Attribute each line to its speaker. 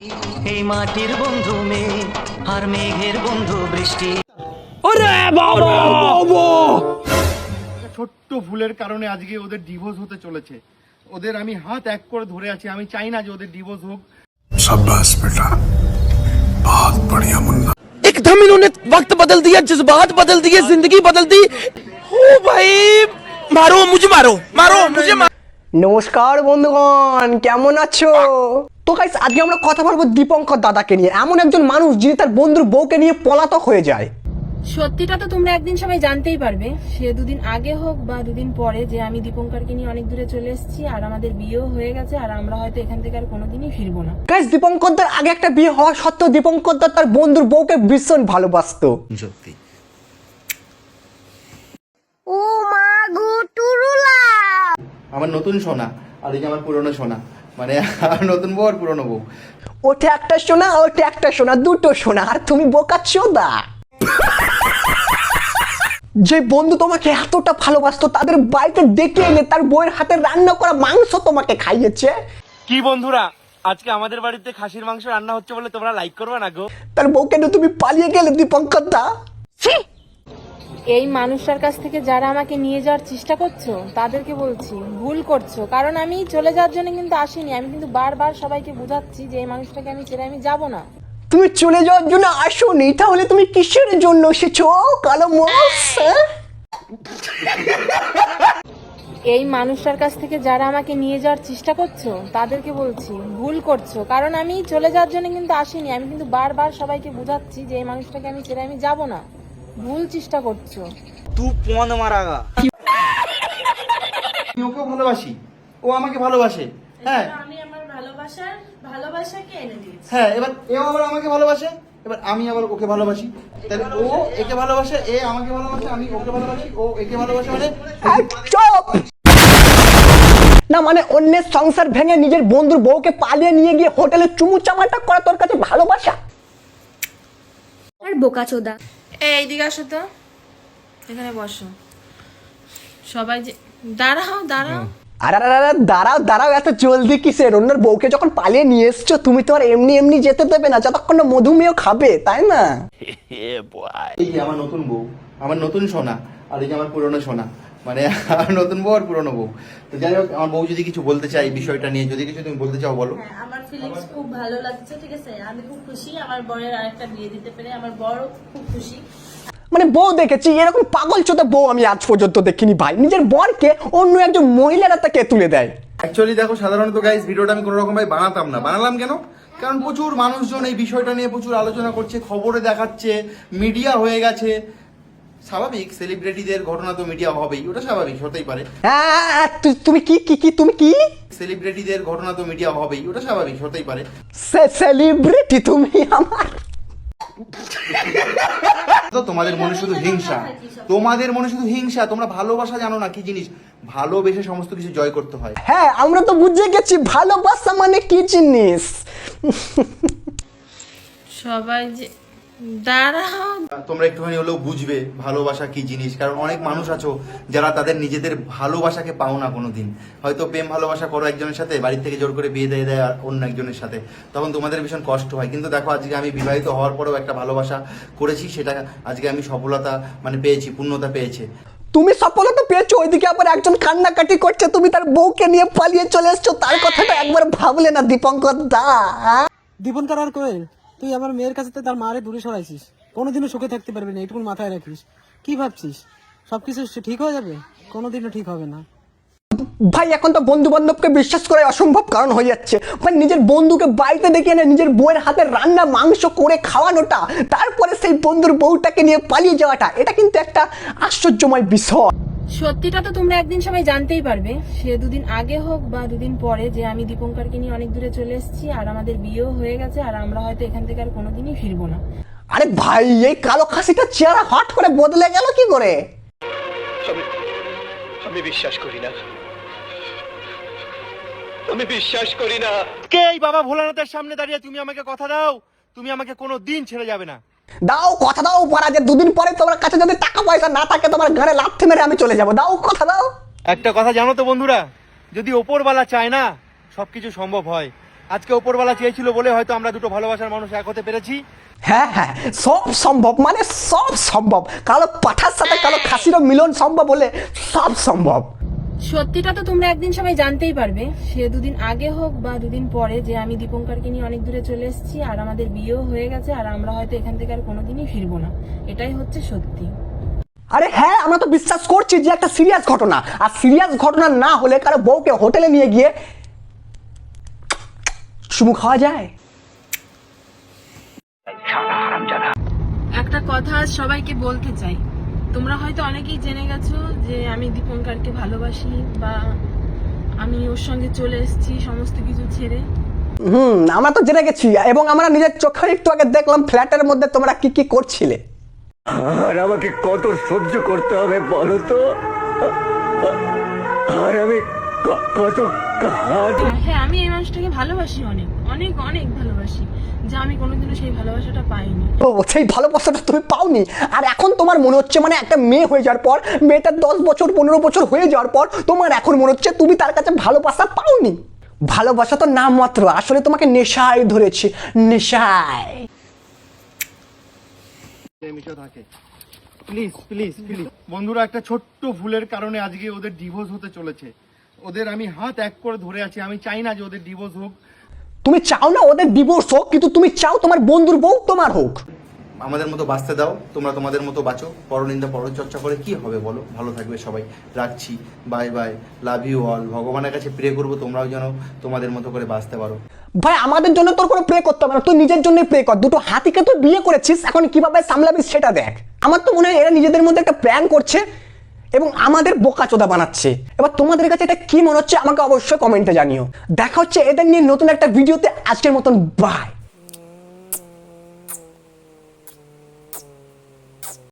Speaker 1: এই মাটির বন্ধু মেয়ে আর মেঘের বন্ধু বৃষ্টি।
Speaker 2: ছোট্ট ভুলের কারণে আজকে ওদের ডিভোর্স হতে চলেছে। ওদের আমি হাত এক করে ধরে আছি, আমি চাই না যে ওদের ডিভোর্স হোক।
Speaker 3: शाबाश बेटा, बहुत बढ़िया मुन्ना।
Speaker 4: एकदम इन्होंने वक्त बदल दिया, जज्बात बदल दिए, जिंदगी बदल दी। ओ भाई मारो मुझे, मारो मारो मुझे मारो।
Speaker 5: নমস্কার বন্ধুগণ, কেমন আছো? তো গাইস, আজকে আমরা কথা বলবো দীপঙ্কর দাদাকে নিয়ে। এমন একজন মানুষ যিনি তার বন্ধুর বউকে নিয়ে পলাতক হয়ে যায়।
Speaker 6: সত্যিটা তো তোমরা একদিন সবাই জানতেই পারবে, সে দুদিন আগে হোক বা দুদিন পরে, যে আমি দীপঙ্করকে নিয়ে অনেক দূরে চলে এসেছি আর আমাদের বিয়েও হয়ে গেছে আর আমরা হয়তো এখান থেকে আর কোনোদিনই ফিরবো না।
Speaker 5: গাইস, দীপঙ্কর দার আগে একটা বিয়ে হওয়া সত্ত্বেও দীপঙ্কর দা তার বন্ধুর বউকে ভীষণ ভালোবাসতো।
Speaker 1: সত্যি
Speaker 7: ও মা গো টুরুলা,
Speaker 2: আমার নতুন সোনা আর এই যে আমার পুরনো সোনা, মানে আমার নতুন বউ আর পুরনো বউ।
Speaker 5: ওটা একটা সোনা, ওটা একটা সোনা, দুটো সোনা, আর তুমি বোকাচ্চোদা। যে বন্ধু তোমাকে এতটা ভালোবাসতো তাদের বাড়িতে ডেকে এনে তার বউয়ের হাতে রান্না করা মাংস তোমাকে খাইয়েছে।
Speaker 4: কি বন্ধুরা, আজকে আমাদের বাড়িতে খাসির মাংস রান্না হচ্ছে বলে তোমরা লাইক করবে না গো?
Speaker 5: তার বউকে নিয়ে তুমি পালিয়ে গেলে দীপঙ্কর দা।
Speaker 6: এই মানুষটার কাছ থেকে যারা আমাকে নিয়ে যাওয়ার চেষ্টা করছো তাদেরকে বলছি ভুল করছো, কারণ আমি চলে যাওয়ার জন্য কিন্তু আসিনি। আমি কিন্তু বারবার সবাইকে বোঝাচ্ছি যে এই মানুষটাকে আমি ছেড়ে আমি যাব না।
Speaker 5: তুমি চলে যাওয়ার জন্য আসোনি, তাহলে তুমি কিসের জন্য এসেছো কালো মোষ?
Speaker 6: এই মানুষটার কাছ থেকে যারা আমাকে নিয়ে যাওয়ার চেষ্টা করছো তাদেরকে বলছি ভুল করছো, কারণ আমি চলে যাওয়ার জন্য কিন্তু আসিনি। আমি কিন্তু বারবার সবাইকে বোঝাচ্ছি যে এই মানুষটাকে আমি ছেড়ে আমি যাব না। ভুল চেষ্টা করছো।
Speaker 4: তুই পন মারাগা।
Speaker 2: আমি ওকেও ভালোবাসি, ও আমাকে ভালোবাসে। হ্যাঁ
Speaker 6: আমি আমার ভালোবাসাকে এনে দিয়েছি।
Speaker 2: হ্যাঁ, এবার এও আবার আমাকে ভালোবাসে, এবার আমি আবার ওকে ভালোবাসি। তাহলে ও একে ভালোবাসে, এ আমাকে ভালোবাসে, আমি ওকে ভালোবাসি, ও একে ভালোবাসে, মানে
Speaker 5: চুপ! না মানে অন্যের সংসার ভেঙে নিজের বন্ধুর বউকে পালিয়ে নিয়ে গিয়ে হোটেলে চুমু চামাটা করা তোর কাছে ভালোবাসা?
Speaker 7: আর বোকাচোদা।
Speaker 6: এইদিকে আসো তো, এখানে বসো সবাই। যে দাঁড়াও দাঁড়াও,
Speaker 5: আরে আরে আরে, দাঁড়াও দাঁড়াও, এত জলদি কিসের? অন্যের বউকে যখন পালিয়ে নিয়ে এসছো তুমি তো আর এমনি এমনি যেতে দেবে না, যতক্ষণ না মধুমেহ খাবে, তাই না?
Speaker 2: এই যে আমার নতুন বউ, আমার নতুন সোনা আর এই যে আমার পুরনো সোনা, মানে আমার নতুন বউ আর পুরনো বউ। তো যাই হোক, আমার বউ যদি কিছু বলতে চাই বিষয়টা নিয়ে, যদি কিছু তুমি বলতে চাও বলো।
Speaker 8: হ্যাঁ, আমার ফিলিংস খুব ভালো লাগছে, ঠিক আছে। আমি খুব খুশি আমার বরের আরেকটা বিয়ে দিতে পেরে, আমার বড় খুব খুশি।
Speaker 5: মানে বউ দেখেছি, এরকম পাগল চোদা বউ আমি আজ পর্যন্ত দেখিনি ভাই। নিজের বরকে অন্য একজন মহিলারা তাকে তুলে দেয়।
Speaker 2: অ্যাকচুয়ালি দেখো, সাধারণত গাইস ভিডিওটা আমি কোনো রকম ভাবে বানাতাম না। বানালাম কেন? কারণ প্রচুর মানুষজন এই বিষয়টা নিয়ে প্রচুর আলোচনা করছে, খবরে দেখাচ্ছে, মিডিয়া হয়ে গেছে। স্বাভাবিক, সেলিব্রিটিদের ঘটনা তো মিডিয়া হবেই, ওটা স্বাভাবিক, হতেই পারে।
Speaker 5: হ্যাঁ, তুমি কি কি কি তুমি কি?
Speaker 2: সেলিব্রিটিদের ঘটনা তো মিডিয়া হবেই, ওটা স্বাভাবিক, হতেই পারে।
Speaker 5: সেলিব্রিটি তুমি আমার?
Speaker 2: তো তোমাদের মনে শুধু হিংসা, তোমাদের মনে শুধু হিংসা। তোমরা ভালোবাসা জানো না কি জিনিস। ভালোবেসে সমস্ত কিছু জয় করতে হয়।
Speaker 5: হ্যাঁ, আমরা তো বুঝে গেছি ভালোবাসা মানে কি জিনিস।
Speaker 6: সবাই যে দাঁড়াও।
Speaker 2: তোমরা একটুখানি হলেও বুঝবে ভালোবাসা কি জিনিস। কারণ অনেক মানুষ আছো যারা তাদের নিজেদের ভালোবাসাকে পাও না কোনোদিন। হয়তো প্রেম ভালোবাসা করো একজনের সাথে, বাড়ির থেকে জোর করে বিয়ে দিয়ে দেয় আর অন্য একজনের সাথে, তখন তোমাদের ভীষণ কষ্ট হয়। কিন্তু দেখো, আজকে আমি বিবাহিত হওয়ার পরেও একটা ভালোবাসা করেছি, সেটা আজকে আমি সফলতা মানে পেয়েছি, পূর্ণতা পেয়েছে।
Speaker 5: তুমি সফলতা পেয়েছো, ওইদিকে আবার একজন কান্নাকাটি করছে, তুমি তার বউকে নিয়ে পালিয়ে চলে এসছো। তার কথাটা একবার ভাবলে না দীপঙ্কর দা?
Speaker 9: দীপঙ্কর আর কোয়েল, তুই আমার মেয়ের কাছে তার মারে দূরে সরাইছিস, কোনোদিনও সুখে থাকতে পারবি না, এটুকুন মাথায় রাখিস। কি ভাবছিস সবকিছু ঠিক হয়ে যাবে? কোনোদিনও ঠিক হবে না
Speaker 5: ভাই। এখন তো বন্ধু বান্ধবকে বিশ্বাস করা অসম্ভব কারণ হয়ে যাচ্ছে ভাই। নিজের বন্ধুকে বাড়িতে ডেকে এনে নিজের বউয়ের হাতে রান্না মাংস করে খাওয়ানোটা, তারপরে সেই বন্ধুর বউটাকে নিয়ে পালিয়ে যাওয়াটা, এটা কিন্তু একটা আশ্চর্যময় বিষয়।
Speaker 6: সত্যিটা তো তোমরা একদিন সবাই জানতেই পারবে, সে দুদিন আগে হোক বা দুদিন পরে, যে আমি দীপঙ্করকে নিয়ে অনেক দূরে চলে এসেছি আর আমাদের বিয়েও হয়ে গেছে আর আমরা হয়তো এখান থেকে আর কোনোদিনই ফিরবো না।
Speaker 5: আরে ভাই, এই কালো খাসিটা চেহারা হট করে বদলে গেল কি করে?
Speaker 4: আমি বিশ্বাস করি না, আমি বিশ্বাস করি না। কে এই বাবা ভোলানাথের সামনে দাঁড়িয়ে তুমি আমাকে কথা দাও, তুমি আমাকে কোনো দিন ছেড়ে যাবে না।
Speaker 5: দাও কথা দাও পারা, যে দুদিন পরে তোমার কাছে যদি টাকা পয়সা না থাকে তোমার ঘরে লাথি মেরে আমি চলে যাবো। দাও কথা দাও।
Speaker 4: একটা কথা জানো তো বন্ধুরা, যদি ওপরওয়ালা চায় না সবকিছু সম্ভব হয়,
Speaker 2: আজকে ওপরওয়ালা চেয়েছিল বলে হয়তো আমরা দুটো ভালোবাসার মানুষ এক হতে পেরেছি।
Speaker 5: হ্যাঁ হ্যাঁ, সব সম্ভব, মানে সব সম্ভব। কালো পাঠার সাথে কালো খাসিরও মিলন সম্ভব হলে সব সম্ভব।
Speaker 6: সত্যিটা তো তোমরা একদিন সবাই জানতেই পারবে, সে দুদিন আগে হোক বা দুদিন পরে, যে আমি দীপঙ্করকে নিয়ে অনেক দূরে চলে এসেছি আর আমাদের বিয়েও হয়ে গেছে আর আমরা হয়তো এখান থেকে আর কোনোদিনই ফিরবো না। এটাই হচ্ছে সত্যি।
Speaker 5: আরে হ্যাঁ, আমরা তো বিশ্বাস করছি যে একটা সিরিয়াস ঘটনা, আর সিরিয়াস ঘটনা না হলে কারো বউকে হোটেলে নিয়ে গিয়ে চুমু খাওয়া যায়?
Speaker 6: একটা কথা আজ সবাইকে বলতে চাই, তোমরা হয়তো অনেকেই জেনে গেছো যে আমি দীপঙ্করকে ভালোবাসি বা আমি ওর সঙ্গে চলে এসেছি সমস্ত কিছু ছেড়ে।
Speaker 5: আমরা তো জেনে গেছি, এবং আমরা নিজের চোখে একটু আগে দেখলাম ফ্ল্যাটের মধ্যে তোমরা কি কি করছিলে।
Speaker 1: আর আমাকে কত সহ্য করতে হবে বলো তো, আর আমি কত
Speaker 6: হ্যাঁ, আমি এই মানুষটাকে ভালোবাসি, অনেক অনেক অনেক ভালোবাসি, যা আমি কোনোদিনও সেই ভালোবাসাটা পাইনি।
Speaker 5: তো সেই ভালোবাসাটা তুমি পাওনি, আর এখন তোমার মনে হচ্ছে, মানে একটা মেয়ে হয়ে যাওয়ার পর, মেয়েটার 10 বছর 15 বছর হয়ে যাওয়ার পর তোমার এখন মনে হচ্ছে তুমি তার কাছে ভালোবাসা পাওনি। ভালোবাসা তো নাম মাত্র, আসলে তোমাকে নেশায় ধরেছে, নেশায়।
Speaker 2: প্লিজ প্লিজ প্লিজ বন্ধুরা, একটা ছোট্ট ভুলের কারণে আজকে ওদের ডিভোর্স হতে চলেছে। ওদের আমি হাত এক করে ধরে আছি, আমি চাই না যে ওদের ডিভোর্স হোক।
Speaker 5: তুমি চাও না ওদের ডিভোর্স হোক, কিন্তু তুমি চাও তোমার বন্ধুর বউ তোমার হোক।
Speaker 2: আমাদের মতো বাঁচতে দাও, তোমরা তোমাদের মতো বাঁচো। পরনিন্দা পরচর্চা করে কি হবে বলো? ভালো থাকবে সবাই, রাখছি, bye bye, love you all. ভগবানের কাছে প্রে করবো তোমরাও যেন তোমাদের মতো করে বাঁচতে পারো।
Speaker 5: ভাই আমাদের জন্য তোর কোনো প্রে করতে হবে না, তুই নিজের জন্যই প্রে কর। দুটো হাতিকে তুই বিয়ে করেছিস, এখন কিভাবে সামলাবি সেটা দেখ। আমার তো মনে হয় এরা নিজেদের মধ্যে একটা প্ল্যান করছে এবং আমাদের বোকাচোদা বানাচ্ছে। এবার তোমাদের কাছে এটা কি মনে হচ্ছে আমাকে অবশ্যই কমেন্টে জানিও। দেখা হচ্ছে এদের নিয়ে নতুন একটা ভিডিওতে। আজকের মতন বাই।